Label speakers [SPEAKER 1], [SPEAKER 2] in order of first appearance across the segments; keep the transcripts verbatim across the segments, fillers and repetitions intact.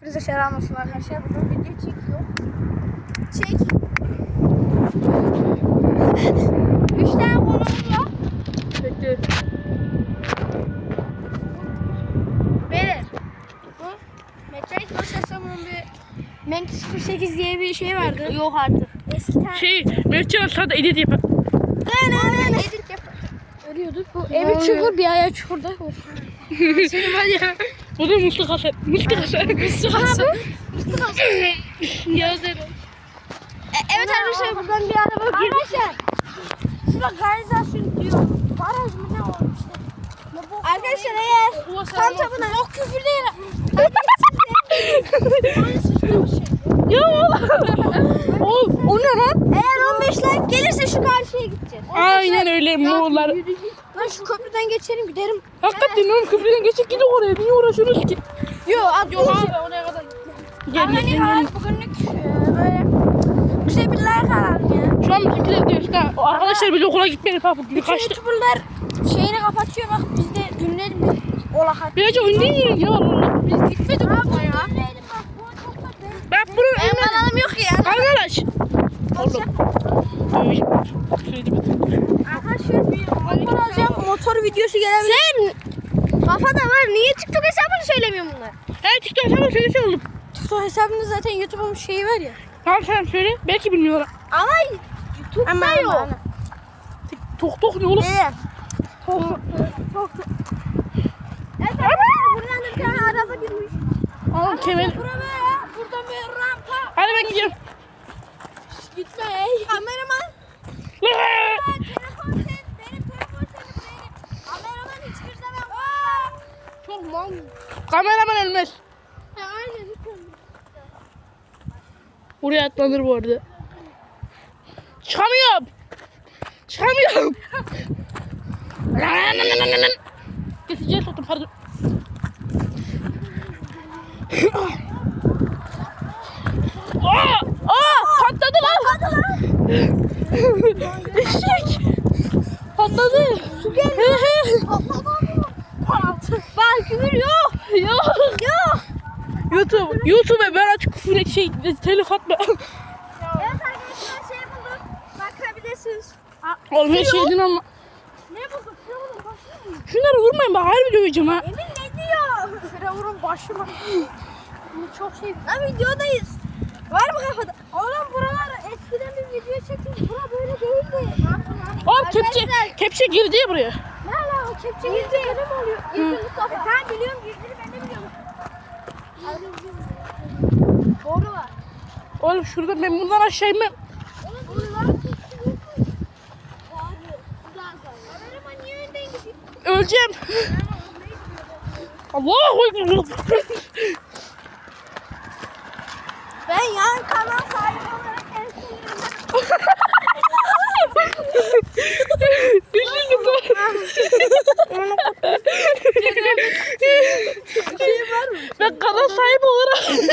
[SPEAKER 1] Bize selam olsun arkadaşlar. Bugün video çekiyor. Çek. Üç tane konumla.
[SPEAKER 2] Bekle.
[SPEAKER 1] Beyler. Bu Mekanik Prosesyon'un bir Menk sıfır sekiz diye bir şey vardı. Yok artık. Eski tane.
[SPEAKER 2] Şey, Mertcan sana edit yapar.
[SPEAKER 1] Ne ne ne edit yapar. Ölüyorduk. Bu evi çukur bir ayağı çukurda.
[SPEAKER 2] Senin var ya. Bu da Musluk Hasan. Musluk Hasan. Musluk Hasan.
[SPEAKER 1] Musluk Hasan.
[SPEAKER 2] Yazarım.
[SPEAKER 1] E, evet arkadaşlar buradan bir araba girdi. Arkadaşlar. Şurada kanalizasyon diyor. Baraj mı ne olmuş işte. Arkadaşlar eğer kan tapına yok küfür değil.
[SPEAKER 2] Ya oğlum. O ne lan?
[SPEAKER 1] Eğer on beş like gelirse şu karşıya gideceğiz.
[SPEAKER 2] Aynen öyle Moğollar.
[SPEAKER 1] Lan şu köprüden geçelim giderim.
[SPEAKER 2] Hakikaten oğlum köprüden geçip gidin oraya. Niye uğraşıyorsunuz ki?
[SPEAKER 1] Yok atlayacağım.
[SPEAKER 2] Yok abi oraya kadar. Gel gel
[SPEAKER 1] Hani
[SPEAKER 2] gel.
[SPEAKER 1] hayat bugünlük e, böyle bir şey bir like alalım ya.
[SPEAKER 2] Şu an bizimkiler diyor işte. O arkadaşlar biz okula gitmeyelim ha bugün
[SPEAKER 1] Bütün
[SPEAKER 2] kaçtı.
[SPEAKER 1] youtuberlar şeyini kapatıyor bak biz de dinleyelim de olahat.
[SPEAKER 2] Birazcık önden yiyin ya valla. Biz gitmedik okula ya. Ben bunu
[SPEAKER 1] Benim kanalım yok ya.
[SPEAKER 2] Arkadaş. Oğlum.
[SPEAKER 1] Arkadaşlar bir motor alacağım. Motor videosu gelebilir. Sen kafada var. Niye TikTok hesabını söylemiyorsun bunlar?
[SPEAKER 2] Her TikTok hesabı söylese oğlum.
[SPEAKER 1] TikTok hesabında zaten YouTube'un şeyi var ya.
[SPEAKER 2] Tamam sen söyle. Belki bilmiyorlar.
[SPEAKER 1] Ama YouTube'da yok.
[SPEAKER 2] Tok tok ne oğlum?
[SPEAKER 1] Evet. Tok tok. Evet arkadaşlar buradan da bir tane araba girmiş.
[SPEAKER 2] Oğlum kemer.
[SPEAKER 1] Buraya ya. Buradan bir rampa.
[SPEAKER 2] Hadi ben gidiyorum.
[SPEAKER 1] Gitme ey. Kameraman. Telefon sen. Benim telefon senin benim. Kameraman hiçbir zaman var.
[SPEAKER 2] Çok mal. Kameraman ölmez.
[SPEAKER 1] Ya aynen hiç olmaz.
[SPEAKER 2] Oraya atlanır bu arada. Çıkamıyorum. Çıkamıyorum. Geçeceğiz otur pardon. Aa! Aa! Patladı lan. Eşek. Patladı.
[SPEAKER 1] Su geliyor. Bak küfür yok.
[SPEAKER 2] Yok.
[SPEAKER 1] Yok.
[SPEAKER 2] YouTube, YouTube'a ben açık küfür et şey telif atma.
[SPEAKER 1] Evet arkadaşlar şey bulduk. Bakabilirsiniz.
[SPEAKER 2] Oğlum her şeyden ama.
[SPEAKER 1] Ne bulduk? Ne bulduk? Başlıyor mu?
[SPEAKER 2] Şunları vurmayın bak harbi döveceğim ha.
[SPEAKER 1] Emin ne diyor? Firavun'un başı mı? Bunu çok şey. Lan videodayız. Var mı kafada? Oğlum buralar eskiden bir video çektik. Bura böyle değildi.
[SPEAKER 2] Oğlum kepçe,
[SPEAKER 1] Arkadaşlar-
[SPEAKER 2] kepçe girdi ya buraya.
[SPEAKER 1] Ne ala o kepçe girdi. Girdi mi oluyor? Girdi Mustafa. E, ben biliyorum girdiğini ben de biliyorum. Doğru var.
[SPEAKER 2] Oğlum şurada ben bundan aşağı inmem.
[SPEAKER 1] Oğlum buralar Kameraman niye önden gidiyor?
[SPEAKER 2] Öleceğim. Allahu Ekber.
[SPEAKER 1] Ben yan kanal sahibi olarak en sonunda.
[SPEAKER 2] Düşündüm bu.
[SPEAKER 1] Şey var mı?
[SPEAKER 2] Ben kanal sahibi olarak.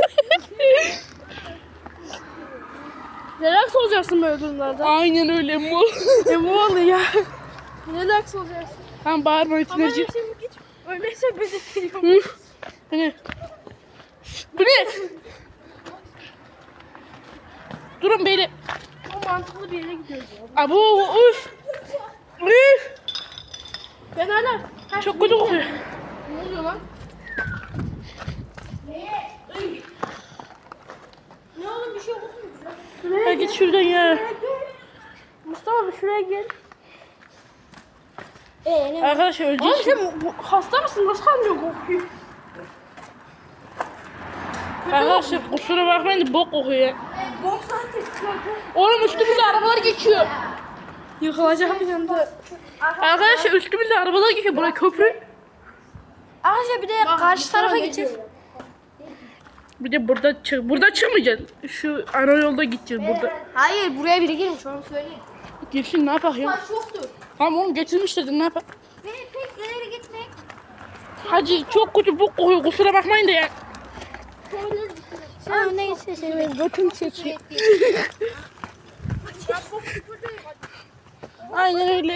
[SPEAKER 1] Relax olacaksın böyle durumlarda.
[SPEAKER 2] Aynen öyle mu?
[SPEAKER 1] Ne bu oluyor ya? Relax olacaksın.
[SPEAKER 2] Tamam bağırma itinacı.
[SPEAKER 1] Ama şimdi git. Öyleyse bizi seviyorum.
[SPEAKER 2] Bu ne? Bu ne? Durun beyler.
[SPEAKER 1] O mantıklı bir yere gidiyoruz ya.
[SPEAKER 2] Abu uf. Üf.
[SPEAKER 1] Ben hala...
[SPEAKER 2] Çok kötü kokuyor.
[SPEAKER 1] Ne oluyor lan? Ne oğlum bir şey yok mu?
[SPEAKER 2] Ha git şuradan ya.
[SPEAKER 1] Mustafa bir şuraya gel. Eee ne?
[SPEAKER 2] Arkadaşlar
[SPEAKER 1] Oğlum
[SPEAKER 2] ölecek.
[SPEAKER 1] sen bu- hasta mısın? Nasıl anlıyor kokuyor?
[SPEAKER 2] Arkadaşlar kusura bakmayın da bok kokuyor ya.
[SPEAKER 1] Bok zaten.
[SPEAKER 2] Oğlum üstümüzde arabalar geçiyor.
[SPEAKER 1] Yıkılacak bir anda.
[SPEAKER 2] Arkadaşlar üstümüzde arabalar geçiyor. Buraya köprü.
[SPEAKER 1] Arkadaşlar bir de karşı tarafa gideceğiz.
[SPEAKER 2] Bir de burada çık. Burada çıkmayacağız. Şu ana yolda gideceğiz burada.
[SPEAKER 1] Hayır buraya biri girmiş onu söyleyeyim.
[SPEAKER 2] Girsin ne yapak ya?
[SPEAKER 1] Taş yoktur.
[SPEAKER 2] Tamam oğlum getirmişler de ne yapak?
[SPEAKER 1] Ve pek ileri gitmek.
[SPEAKER 2] Hacı çok kötü bok kokuyor. Kusura bakmayın da ya.
[SPEAKER 1] Sen öne gitsin seni götüm çekiyor.
[SPEAKER 2] Aynen öyle.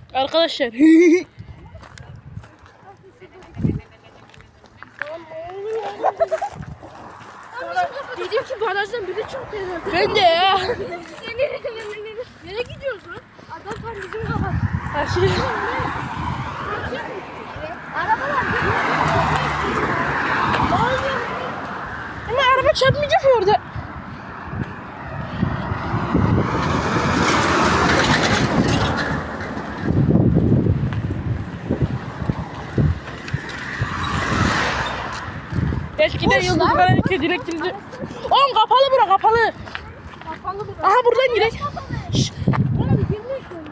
[SPEAKER 2] Arkadaşlar.
[SPEAKER 1] Dedim ki barajdan biri çıktı herhalde.
[SPEAKER 2] Ben de ya.
[SPEAKER 1] Nereye gidiyoruz lan? Adam tam bizim kafa.
[SPEAKER 2] Aşırı.
[SPEAKER 1] Arabalar
[SPEAKER 2] Ama araba çarpmayacak ya orada. Eskiden yıldızlar iki direkt girdi. Oğlum kapalı bura kapalı.
[SPEAKER 1] kapalı bir.
[SPEAKER 2] Aha buradan girek. Şşş.
[SPEAKER 1] Oğlum girmek istiyorum.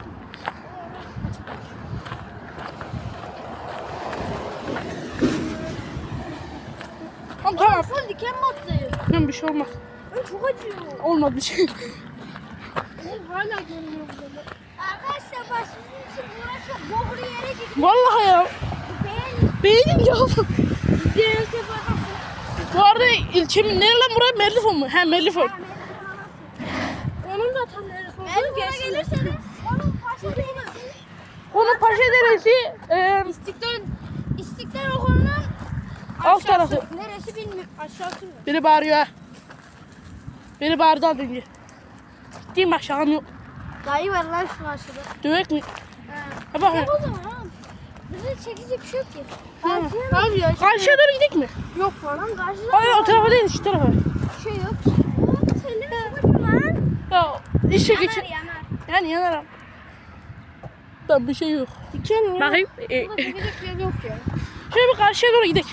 [SPEAKER 2] Tamam tamam.
[SPEAKER 1] Full diken battı.
[SPEAKER 2] Tamam bir şey olmaz.
[SPEAKER 1] Ay çok acıyor.
[SPEAKER 2] Olmaz bir şey.
[SPEAKER 1] Oğlum hala görünüyor burada. Arkadaşlar bak sizin için uğraşıp boğulu yere gidiyor.
[SPEAKER 2] Vallahi ya.
[SPEAKER 1] Beğen.
[SPEAKER 2] Beğenin ya.
[SPEAKER 1] Diğer sefer
[SPEAKER 2] Bu arada ilçemin nere lan buraya? Merlifon mu? He Merlifon.
[SPEAKER 1] onun da tam neresi olduğunu
[SPEAKER 2] Merlifon'a
[SPEAKER 1] gelirseniz onun paşa değil.
[SPEAKER 2] Onun Paşa Deresi e,
[SPEAKER 1] İstiklal İstiklal Okulu'nun
[SPEAKER 2] alt tarafı.
[SPEAKER 1] neresi bilmiyorum. Aşağısı mı?
[SPEAKER 2] Biri bağırıyor ha. Biri bağırdı az önce. Gittiğim bak şakam yok.
[SPEAKER 1] Dayı var lan şu aşağıda.
[SPEAKER 2] Dövek mi?
[SPEAKER 1] He.
[SPEAKER 2] Ha bak.
[SPEAKER 1] Ne o zaman ha? Bize çekecek bir şey yok ki.
[SPEAKER 2] Tamam.
[SPEAKER 1] Abi ya.
[SPEAKER 2] Karşıya doğru gidelim mi?
[SPEAKER 1] Yok falan karşıda.
[SPEAKER 2] Hayır o tarafa değil şu tarafa.
[SPEAKER 1] Bir şey yok. Oğlum senin babacım lan.
[SPEAKER 2] Ya işe geçin.
[SPEAKER 1] yanar.
[SPEAKER 2] Yani yanarım. Tamam bir şey yok.
[SPEAKER 1] Diken ya.
[SPEAKER 2] Bakayım. E,
[SPEAKER 1] Burada çekecek bir yer yok ya.
[SPEAKER 2] şöyle bir karşıya doğru gidelim.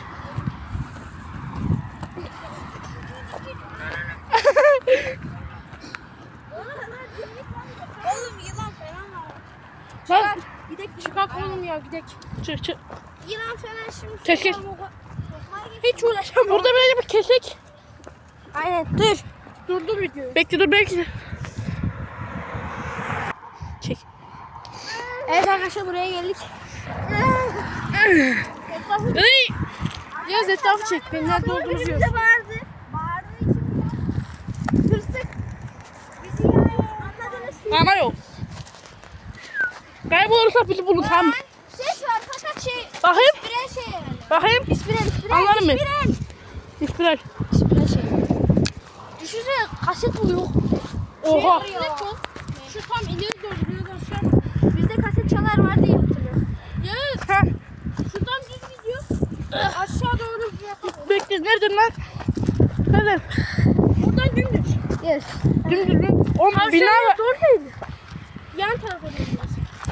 [SPEAKER 1] Oğlum yılan falan var.
[SPEAKER 2] Lan
[SPEAKER 1] Gidek çıkak oğlum ya gidek.
[SPEAKER 2] çık çık.
[SPEAKER 1] Yılan falan şimdi.
[SPEAKER 2] Çekil.
[SPEAKER 1] Hiç uğraşamam.
[SPEAKER 2] Burada böyle bir kesek.
[SPEAKER 1] Aynen dur. Durdu video.
[SPEAKER 2] Bekle dur belki. Çek.
[SPEAKER 1] Evet arkadaşlar buraya geldik.
[SPEAKER 2] Ey!
[SPEAKER 1] Yaz etrafı çek. Ben nerede olduğumuzu
[SPEAKER 3] Bize
[SPEAKER 1] yaz.
[SPEAKER 3] bağırdı. Bağırdığı için hırsık. Bizi yani anladınız.
[SPEAKER 2] Ama yok. Kaybolursa bizi bulun tamam.
[SPEAKER 3] Ses var fakat şey
[SPEAKER 2] Bakayım.
[SPEAKER 3] birer şey herhalde.
[SPEAKER 2] Bakayım.
[SPEAKER 3] İspiral ispiral.
[SPEAKER 2] Anlarım ben.
[SPEAKER 3] İspiral.
[SPEAKER 2] İspiral.
[SPEAKER 1] Birer şey. Düşünsene kaset bu yok.
[SPEAKER 2] Oha.
[SPEAKER 1] Şey var ya. Şu tam ileri doğru biraz aşağı. Bizde kaset çalar var diye hatırlıyorum.
[SPEAKER 2] Yes. Ha.
[SPEAKER 1] Şuradan düz gidiyor. Aşağı doğru bir yapalım.
[SPEAKER 2] Bekle nereden lan? Nereden?
[SPEAKER 1] Buradan dümdüz.
[SPEAKER 3] Yes.
[SPEAKER 2] Dümdüz mü? O bina var.
[SPEAKER 1] Oradaydı. Yan tarafa dönüyoruz.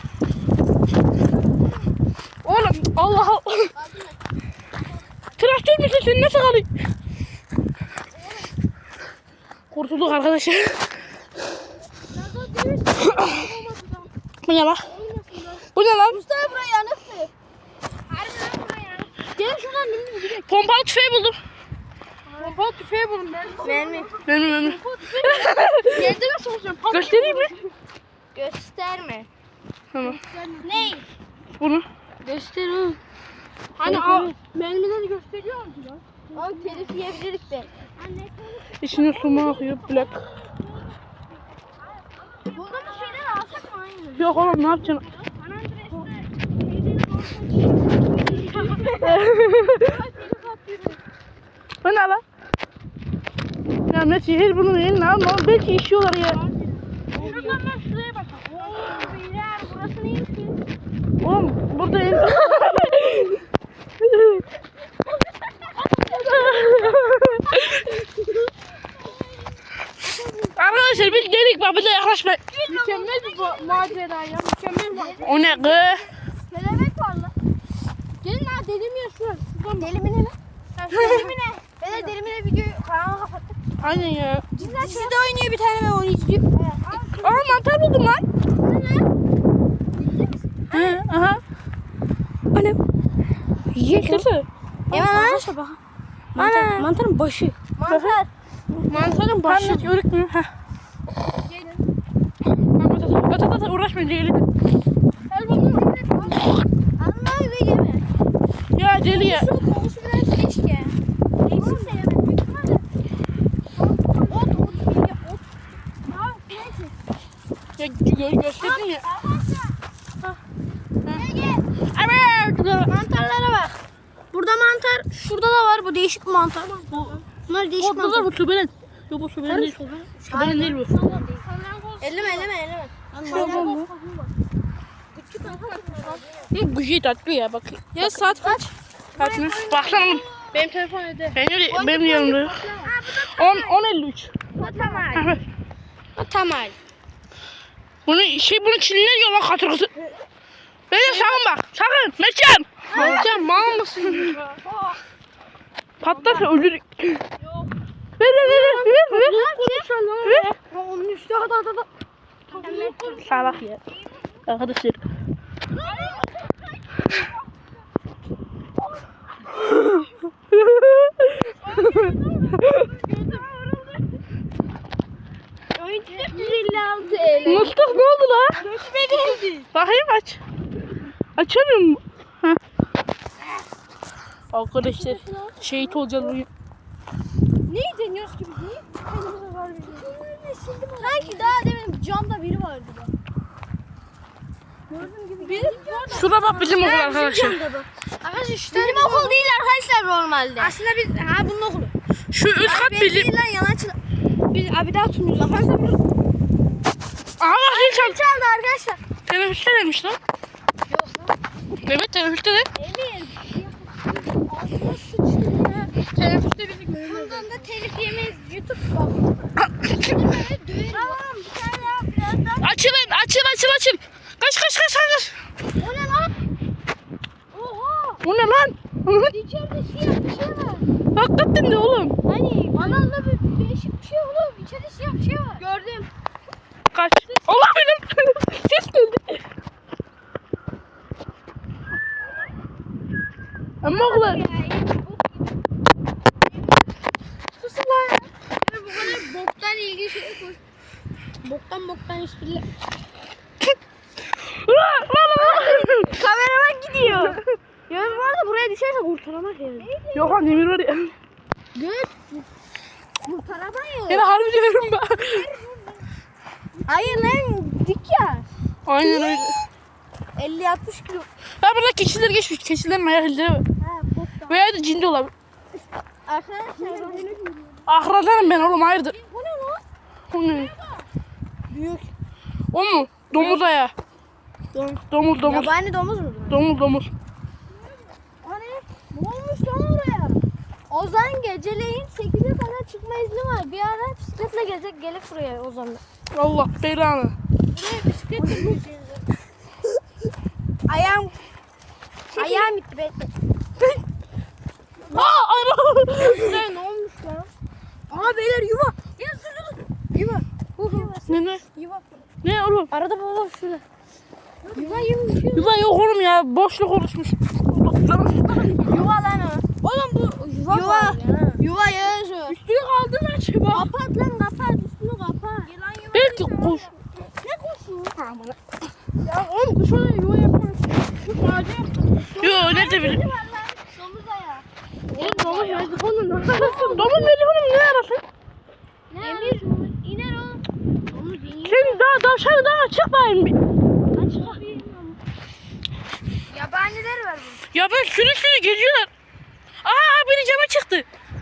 [SPEAKER 2] Oğlum Allah Allah. Traktör müsün sen nasıl alayım? Kurtulduk arkadaşlar. Bu ne lan? Bu ne lan?
[SPEAKER 3] Mustafa buraya yanıktı.
[SPEAKER 1] Harbiden buraya yanık. Gelin şuradan dümdüz gidelim.
[SPEAKER 2] Pompalı tüfeği buldum.
[SPEAKER 1] Pompalı tüfeği bulun ben.
[SPEAKER 3] Mermi.
[SPEAKER 2] Benim benim.
[SPEAKER 1] Yerde nasıl olacağım?
[SPEAKER 2] Göstereyim mi?
[SPEAKER 3] Gösterme.
[SPEAKER 2] Tamam.
[SPEAKER 3] Ney?
[SPEAKER 2] Bunu.
[SPEAKER 1] Göster oğlum. Hani a, mermileri gösteriyor mu lan?
[SPEAKER 3] Oğlum telif yiyebilirdik be.
[SPEAKER 2] İçine su mu akıyor? Black.
[SPEAKER 3] Bulduğumuz şeyleri alsak mı aynı?
[SPEAKER 2] Yok oğlum ne yapacaksın? Bu ne lan? Ya ne şehir bunun eline alma oğlum belki işiyorlar ya.
[SPEAKER 1] Şuradan ben şuraya bakalım.
[SPEAKER 3] Oo beyler burası neymiş ki?
[SPEAKER 2] Oğlum burada el... Arkadaşlar biz dedik bak bize yaklaşmayın.
[SPEAKER 1] Mükemmel bir bu- macera ya. Mükemmel bir macera.
[SPEAKER 2] O ne kız?
[SPEAKER 3] Kelebek var lan.
[SPEAKER 1] Gelin ha dedim ya şuraya. Şuradan bak.
[SPEAKER 3] Delimine mi? Delimine. Beyler delimine videoyu kanalı kapattık.
[SPEAKER 2] Aynen ya.
[SPEAKER 3] Dizide oynuyor bir tane ben onu izliyorum. Evet.
[SPEAKER 2] Aa mantar buldum lan. He, aha.
[SPEAKER 1] O ne?
[SPEAKER 2] Yiyeceksin.
[SPEAKER 3] Hemen
[SPEAKER 1] Arkadaşlar bak. Mantar, mantarın başı.
[SPEAKER 3] Mantar.
[SPEAKER 1] Mantarın başı.
[SPEAKER 2] Anlat yörük mü? Heh.
[SPEAKER 3] Gelin.
[SPEAKER 2] At at at uğraşmayın gelin.
[SPEAKER 3] Gel bakalım. Allah ve yeme.
[SPEAKER 2] Ya deli ya.
[SPEAKER 3] Şu konusu biraz keşke. Eksik de yeme. Büyük ihtimalle. Ot, ot, bilgi, ot. Ya neyse.
[SPEAKER 2] Ya gö gösterdin ya.
[SPEAKER 3] Arkadaşlar. Gel gel.
[SPEAKER 2] Evet.
[SPEAKER 3] Mantarlara bak. Burada mantar şu
[SPEAKER 1] şurada da var bu değişik mantar. Bunlar değişik
[SPEAKER 2] Orada da
[SPEAKER 1] mantar.
[SPEAKER 2] bu tübelen. Yok bu tübelen değil. Tübelen değil bu.
[SPEAKER 1] Elleme elleme elleme.
[SPEAKER 2] Bu güzel tatlı ya bak.
[SPEAKER 1] Ya saat kaç?
[SPEAKER 2] Kaç mı? Baksana.
[SPEAKER 3] Benim telefon öde.
[SPEAKER 2] Benim, benim yanımda yok. on, on elli üç.
[SPEAKER 3] Tamam.
[SPEAKER 1] Tamam.
[SPEAKER 2] Bunu şey bunu Çinliler yiyor lan katırgısı. Böyle sakın bak. Sakın. Mertcan. Mertcan mal mısın? Patlarsa ölürük. Ver ver ver ver ver. Ver.
[SPEAKER 1] Onun üstü hadi hadi hadi.
[SPEAKER 2] Salak ya. Arkadaşlar. Mustafa ne oldu la? Bakayım aç. Açamıyor mu? Heh. Arkadaşlar şehit olacağız bugün.
[SPEAKER 1] Neyi deniyoruz ki biz? Neyi? Kendimize var bir sanki daha demin camda biri vardı da. Gördüğüm gibi. Biri
[SPEAKER 2] Şurada bak bizim okul arkadaşlar.
[SPEAKER 1] Arkadaşlar şu bizim okul değil arkadaşlar normalde. Aslında biz ha bunun okulu.
[SPEAKER 2] Şu üst kat
[SPEAKER 1] Abi
[SPEAKER 2] bizim.
[SPEAKER 1] değil lan yanaçlı. Biz abi daha sunuyoruz. Arkadaşlar bunu
[SPEAKER 2] Aha bak zil çaldı.
[SPEAKER 1] çaldı arkadaşlar.
[SPEAKER 2] Teneffüste demiş lan.
[SPEAKER 1] Yok lan.
[SPEAKER 2] Evet teneffüste de.
[SPEAKER 1] Emin. Ağzına sıçtı ya.
[SPEAKER 3] Teneffüste bizi görmedi.
[SPEAKER 1] Bundan da telif yemeyiz. YouTube bak. Tamam bir tane daha birazdan.
[SPEAKER 2] Açılın açıl açıl açıl. Kaç kaç kaç kaç.
[SPEAKER 1] O ne lan? Oha.
[SPEAKER 2] O ne lan?
[SPEAKER 1] İçeride siyah bir şey var.
[SPEAKER 2] Hakikaten de oğlum.
[SPEAKER 1] Hani analda bir değişik bir şey oğlum. İçeride siyah bir şey var. Gördüm.
[SPEAKER 2] Kaç. Allah benim. Ses geldi. Ama oğlum.
[SPEAKER 1] Susun lan ya. Bu kadar boktan ilgili şey koy. Boktan boktan espriler. Kameraman gidiyor. Yalnız bu arada buraya düşerse kurtaramaz yani.
[SPEAKER 2] Yok lan demir var ya.
[SPEAKER 1] Göt. Kurtaramayız.
[SPEAKER 2] Yine harbi diyorum ben.
[SPEAKER 1] Hayır lan dik ya.
[SPEAKER 2] Aynen öyle.
[SPEAKER 1] elli altmış kilo.
[SPEAKER 2] Ha burada keçiler geçmiş. Keçilerin ayak izleri var.
[SPEAKER 1] Ha boktan.
[SPEAKER 2] Veya da cindi olabilir.
[SPEAKER 1] Arkadaşlar.
[SPEAKER 2] Ahradanım ben oğlum hayırdır.
[SPEAKER 1] Bu ne lan?
[SPEAKER 2] O ne?
[SPEAKER 1] Büyük.
[SPEAKER 2] O mu? Domuz ayağı.
[SPEAKER 1] Domuz.
[SPEAKER 2] Domuz domuz.
[SPEAKER 1] Yabani domuz mu?
[SPEAKER 2] Domuz domuz.
[SPEAKER 1] Hani ne olmuş lan oraya? Ozan geceleyin sekize kadar çıkma izni var. Bir ara bisikletle gelecek gelip buraya Ozan'la.
[SPEAKER 2] Allah belanı.
[SPEAKER 1] Buraya bisikletle gideceğiz. Ayağım Ayağım gitti bekle.
[SPEAKER 2] Aa ana.
[SPEAKER 1] Ne olmuş lan? Aa beyler yuva. Ya dur dur. Yuva. Yuva.
[SPEAKER 2] Ne ne?
[SPEAKER 1] Yuva.
[SPEAKER 2] Ne oğlum?
[SPEAKER 1] Arada baba şurada. Yuva yumuş.
[SPEAKER 2] Yuva yok oğlum ya. Boşluk oluşmuş.
[SPEAKER 1] Yuva lan o. Oğlum bu yuva. Yuva. Yuva yazıyor.
[SPEAKER 2] Üstüne kaldı lan çaba.
[SPEAKER 1] Kapat lan kapat üstünü kapat. Yılan yuva.
[SPEAKER 2] Belki kuş.
[SPEAKER 1] Ne kuşu?
[SPEAKER 2] Ya oğlum kuş oraya yuva yapmaz. Kuş ağacı yaptı. Yo ne de bileyim.
[SPEAKER 1] Domuz ayağı.
[SPEAKER 2] Oğlum domuz yazık onun ne arasın? Domuz veriyor oğlum ne arasın?
[SPEAKER 1] Ne Emir iner o. Domuz iner.
[SPEAKER 2] Sen daha tavşanı daha çık bakayım bir.
[SPEAKER 1] Yabaniler var burada.
[SPEAKER 2] Ya ben sürü sürü geziyorlar. Aa biri cama çıktı.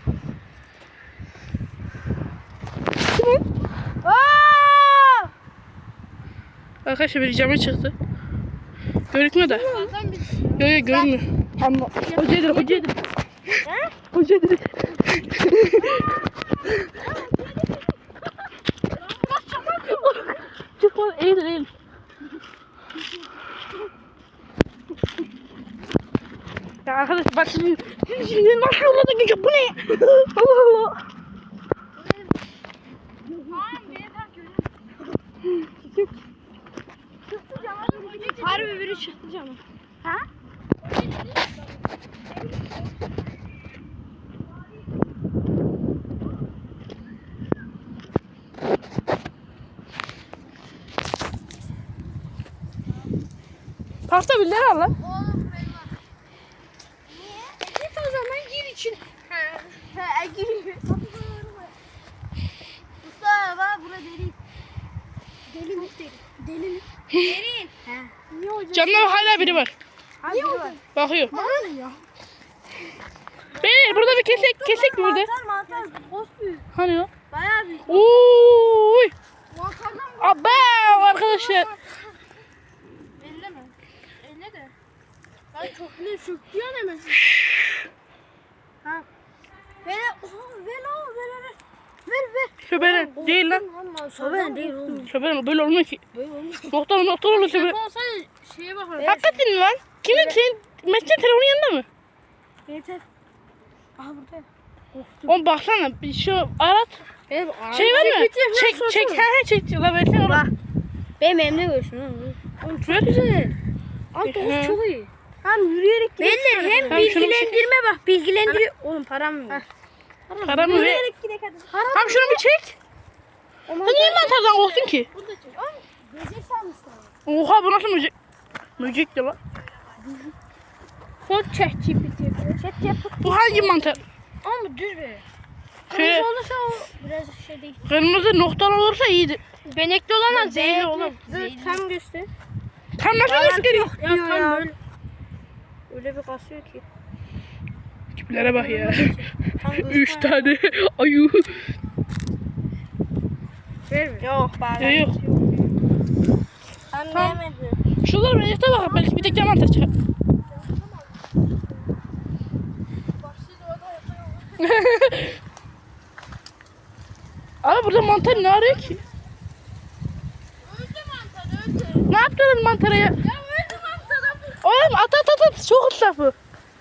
[SPEAKER 1] Aa!
[SPEAKER 2] Arkadaşlar biri cama çıktı. Görükmüyor da.
[SPEAKER 1] Zaten biz
[SPEAKER 2] Yo yo görünmüyor. Ama hocadır hocadır.
[SPEAKER 1] He?
[SPEAKER 2] Hocadır. Çık lan eğil eğil. Ya arkadaş bak şimdi şimdi nasıl yolladı geçiyor bu ne? Allah Allah.
[SPEAKER 1] harbi biri çıktı canım. Ha?
[SPEAKER 2] Parkta birileri var lan.
[SPEAKER 1] Oğlum ben var. Niye? E git o zaman gir için. He. He gir. Mustafa bura derin. Deli mi? Deli mi? Derin. He. Niye hocam?
[SPEAKER 2] Camda hala biri var.
[SPEAKER 1] Niye hocam?
[SPEAKER 2] Bakıyor.
[SPEAKER 1] Ne ya?
[SPEAKER 2] Beyler burada bir kesek kesek mi burada?
[SPEAKER 1] Mantar mantar. Boz büyük.
[SPEAKER 2] Hani o?
[SPEAKER 1] Bayağı büyük.
[SPEAKER 2] Oy.
[SPEAKER 1] Mantardan mı?
[SPEAKER 2] Abi arkadaşlar.
[SPEAKER 1] Elle mi? Elle de. Ben çok bile söktüyor hemen. Ha. Ver, oha, ver o, ver, ver. Ver, ver.
[SPEAKER 2] Şöbelen değil lan.
[SPEAKER 1] Şöbelen değil oğlum.
[SPEAKER 2] Şöbelen böyle olmuyor ki.
[SPEAKER 1] Böyle olmuş.
[SPEAKER 2] Noktalı noktalı olur şöbelen.
[SPEAKER 1] Olsaydı şeye bakalım.
[SPEAKER 2] Hakikaten mi lan? Kimin senin Mesut'un telefonun yanında mı?
[SPEAKER 1] Yeter. Aha burada.
[SPEAKER 2] Oğlum baksana bir şu arat.
[SPEAKER 1] Benim
[SPEAKER 2] Şey var mı? Çek çek he he çek. La versene oğlum.
[SPEAKER 1] Benim elimde görsün oğlum. Oğlum çok güzel. Abi
[SPEAKER 2] Hı.
[SPEAKER 1] Doğuz çok iyi. Hem yürüyerek gidelim. Beyler hem
[SPEAKER 2] Tamam, şunu bir
[SPEAKER 1] bilgilendirme bak bilgilendiriyor. Oğlum param mı?
[SPEAKER 2] Para mı ver?
[SPEAKER 1] Yürüyerek gidelim hadi.
[SPEAKER 2] Tamam şunu bir çek. Sen niye mantardan korktun ki?
[SPEAKER 1] Burada çek. Oğlum böcek sanmışsın.
[SPEAKER 2] Oha bu nasıl müzik? Müzik de lan.
[SPEAKER 1] Son çek çipiti. Çek çek.
[SPEAKER 2] Bu hangi mantar?
[SPEAKER 1] Ama düz be.
[SPEAKER 2] Şöyle
[SPEAKER 1] Kırmızı olursa o biraz şey değil.
[SPEAKER 2] kırmızı noktalı olursa iyiydi.
[SPEAKER 1] Benekli olan
[SPEAKER 3] zehirli
[SPEAKER 1] oğlum.
[SPEAKER 3] Zehirli.
[SPEAKER 1] Tam göster.
[SPEAKER 2] Tam nasıl gösteriyor?
[SPEAKER 1] Ya tam böyle. Öyle bir kasıyor ki.
[SPEAKER 2] Tiplere bak ya.
[SPEAKER 1] Tam
[SPEAKER 2] Üç tane ayu.
[SPEAKER 1] Vermiyor. Yok bari.
[SPEAKER 2] Yok yok.
[SPEAKER 1] Anlayamadım.
[SPEAKER 2] Şuralara bir yata bak. Belki bir tek mantar çıkar. Abi burada mantar ne arıyor ki?
[SPEAKER 1] Öldü mantar öldü.
[SPEAKER 2] Ne yaptın mantara ya?
[SPEAKER 1] Ya öldü mantar.
[SPEAKER 2] Oğlum at at at at. Çok ıslak bu.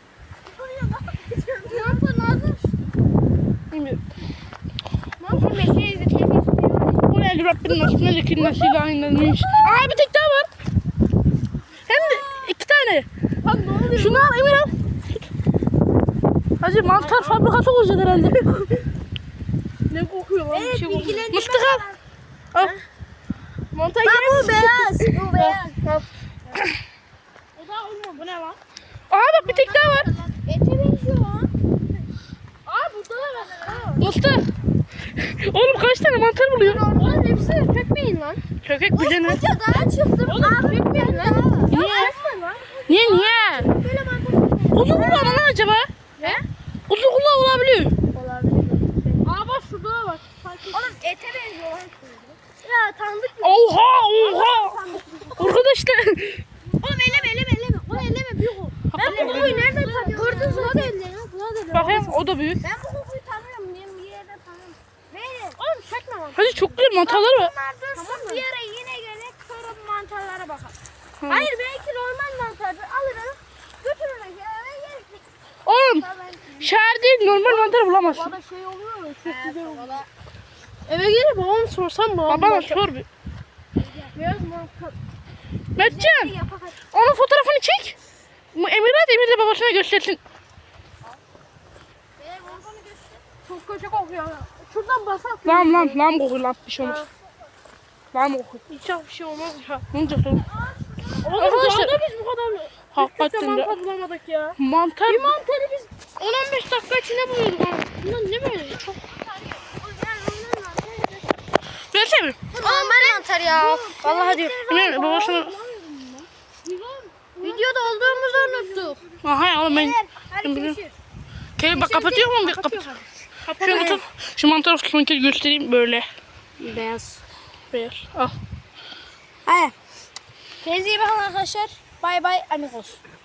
[SPEAKER 1] Mantar lazım.
[SPEAKER 2] Bilmiyorum.
[SPEAKER 1] Mantar meşeyi izletmek istiyor.
[SPEAKER 2] Bu ne Rabbinin nasıl ne zekin nasıl aynıymış. Aa bir tek daha var. Hem de iki tane.
[SPEAKER 1] Lan ne oluyor?
[SPEAKER 2] Şunu al Emir al. Tut. Hacı mantar fabrikası olacak herhalde.
[SPEAKER 1] Ne kokuyor lan?
[SPEAKER 3] Evet,
[SPEAKER 1] Bir şey kokuyor.
[SPEAKER 3] bilgilendirme
[SPEAKER 2] Mıstık al. Al. Mantar
[SPEAKER 3] Bak
[SPEAKER 2] yer
[SPEAKER 3] bu
[SPEAKER 2] misin?
[SPEAKER 3] beyaz. Bu beyaz.
[SPEAKER 1] O da olma bu ne lan?
[SPEAKER 2] Aa bak bir tek daha var.
[SPEAKER 3] Ete benziyor lan.
[SPEAKER 1] Aa burada da var.
[SPEAKER 2] Mıstık. Oğlum kaç tane mantar buluyor?
[SPEAKER 1] Oğlum hepsi sökmeyin lan.
[SPEAKER 2] Kökek bu ne?
[SPEAKER 3] Koca dağa çıktım.
[SPEAKER 1] Oğlum sökmeyin lan.
[SPEAKER 2] Niye?
[SPEAKER 1] Sökme lan.
[SPEAKER 2] Niye niye?
[SPEAKER 3] Böyle mantar.
[SPEAKER 2] Kuzu kulağına lan acaba?
[SPEAKER 1] Ne?
[SPEAKER 2] Kuzu kulağı olabiliyor.
[SPEAKER 1] Aa bak şurada da var.
[SPEAKER 3] Oğlum ete benziyor lan. Ya tanıdık.
[SPEAKER 2] Oha oha. Arkadaşlar.
[SPEAKER 3] Oğlum elleme elleme elleme. Onu elleme büyük o. Ben bu kokuyu nereden tanıyorum? Gördün mü? Buna da elle. Buna da elle.
[SPEAKER 2] Bakayım o da büyük.
[SPEAKER 3] Ben bu kokuyu tanıyorum. Benim bir yerden tanıyorum. Verin.
[SPEAKER 1] Oğlum sökme lan.
[SPEAKER 2] Hadi çok güzel mantarlar var.
[SPEAKER 3] Bunlar dursun bir yere yine gerek sonra bu mantarlara bakalım.
[SPEAKER 2] Hı.
[SPEAKER 3] Hayır belki normal mantardır. Alırım. Götürürüm eve yerim.
[SPEAKER 2] Oğlum şehir değil normal mantar bulamazsın.
[SPEAKER 1] Bana şey oluyor mu? Çok güzel oluyor. Eve gelip babam sorsam babam.
[SPEAKER 2] Babana sor bir.
[SPEAKER 1] Beyaz mantar.
[SPEAKER 2] Mertcan
[SPEAKER 3] Yapak hadi.
[SPEAKER 2] onun fotoğrafını çek. Bu Emirat Emir de babasına göstersin.
[SPEAKER 3] Benim mantarını göster.
[SPEAKER 1] Çok kötü kokuyor. Şuradan basak.
[SPEAKER 2] Lan lan lan kokuyor lan bir şey olmaz. Lan kokuyor.
[SPEAKER 1] Hiç bir şey olmaz ya.
[SPEAKER 2] Ne olacak oğlum?
[SPEAKER 1] Oğlum
[SPEAKER 2] Arkadaşlar-
[SPEAKER 1] daha da biz bu kadar
[SPEAKER 2] Hakikaten de.
[SPEAKER 1] mantar bulamadık ya.
[SPEAKER 2] Mantar.
[SPEAKER 1] Bir mantarı biz on on beş dakika içinde buluyorduk ama. Bunlar ne böyle? Çok
[SPEAKER 2] Versene bir.
[SPEAKER 3] Normal mantar ya. Vallahi diyor.
[SPEAKER 2] Emir babasına.
[SPEAKER 1] Videoda olduğumuzu unuttuk.
[SPEAKER 2] Aha oğlum ben.
[SPEAKER 3] Hadi
[SPEAKER 2] Ben
[SPEAKER 3] görüşürüz.
[SPEAKER 2] Kedi bak kapatıyor mu? Bir kapat. Şunu tut. Şu mantar kısmını göstereyim böyle.
[SPEAKER 1] Beyaz.
[SPEAKER 2] Beyaz. Al.
[SPEAKER 3] Hadi. Kendinize iyi bakın arkadaşlar. Bay bay amigos.